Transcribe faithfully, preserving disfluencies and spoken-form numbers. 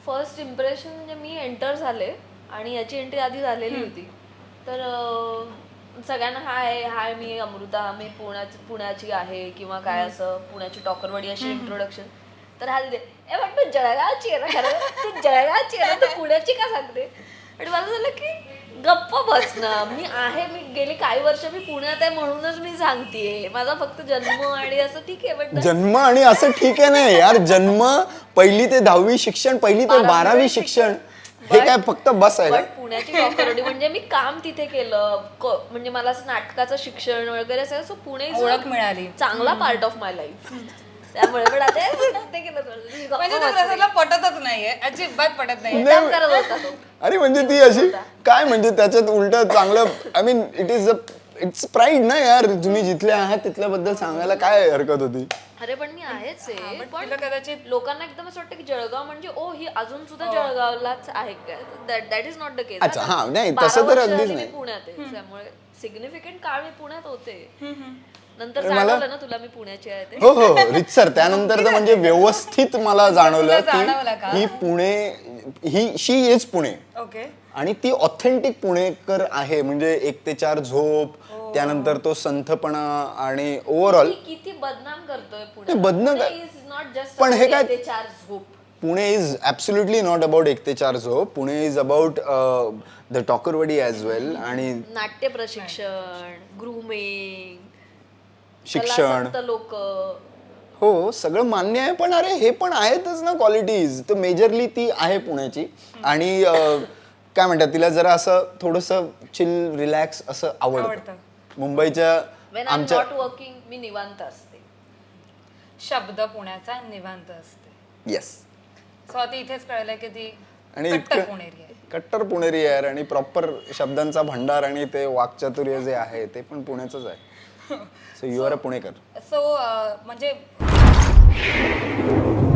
First impression म्हणजे मी enter झाले आणि याची एंट्री आधी झालेली होती. तर अं, सगळ्यांना हाय हाय मी अमृता, मी पुण्याची पुण्याची आहे किंवा काय असं पुण्याची टॉकरवाडी अशी इंट्रोडक्शन. तर हा तिथे ए पण तू जळगावची आहे ना, खरं तू जळगावची आहे ना, तू पुण्याची का सांगते. आणि मला झालं की गप्प बस ना, मी आहे, मी गेली काही वर्ष मी पुण्यात आहे म्हणूनच मी सांगतेय. माझा फक्त जन्म आणि असं ठीक आहे, बट जन्म आणि असं ठीक आहे ना यार, जन्म पहिली ते दहावी शिक्षण, पहिली ते बारावी शिक्षण, हे काय फक्त बस आहे का? पुण्याची टॉकरवाडी म्हणजे मी काम तिथे केलं, म्हणजे मला असं नाटकाचं शिक्षण वगैरे असं, सो पुणे ओळख मिळाली, चांगला पार्ट ऑफ माय लाईफ. त्यामुळे पण आता ते केलं म्हणजे तो रसदला पटतच नाहीये, अजिबात पटत नाही. करत होता तो. अरे म्हणजे ती अशी काय म्हणजे त्याच्यात उलट चांगलं, I mean it is it's pride ना यार, तुम्ही जिथले आहात तिथल्याबद्दल सांगायला काय हरकत होती. अरे पण मी आहेच आहे, पण कदाचित लोकांना एकदम असं वाटतं की जळगाव म्हणजे ओ ही अजून सुद्धा जळगावलाच आहे काय. That is not the case. अच्छा हा नाही तसं तर अगदीच नाही. पुण्यात आहे त्यामुळे सिग्निफिकंट काळ मी पुण्यात होते. नंतर जाणवलं ना तुला मी पुण्याची आहे ते. हो हो रितसर त्यानंतर तर म्हणजे व्यवस्थित मला जाणवलं जाणवलं की ही पुणे, ही शी इज पुणे. ओके. आणि ती ऑथेंटिक पुणेकर आहे. म्हणजे एक ते चार झोप, त्यानंतर तो संथपणा आणि ओव्हरऑल किती बदनाम करतोय पुणे. बदनाम इज नॉट जस्ट पण हे काय ते चार झोप. Pune is absolutely not about एक ते चार झोप. Pune is about the Tokarwadi as well. आणि नाट्य प्रशिक्षण, ग्रूमिंग, शिक्षण, लोक, हो सगळं मान्य आहे. पण अरे हे पण आहेतच ना क्वालिटीज. तर मेजरली ती आहे पुण्याची. आणि काय म्हणतात तिला जरा असं थोडंसं चिल रिलॅक्स असं आवडतं. मुंबईच्या आमच्या नॉट वर्किंग मी निवांत असते. शब्द पुण्याचा निवांत असते. येस. सो आता इथेच कळलं की ती आणि कट्टर पुणेरी आहे. कट्टर पुणेरी आहे आणि प्रॉपर शब्दांचा भंडार आणि ते वाक्चातुर्य जे आहे ते पण पुण्याचंच आहे. सो यू आर अ पुणेकर. सो म्हणजे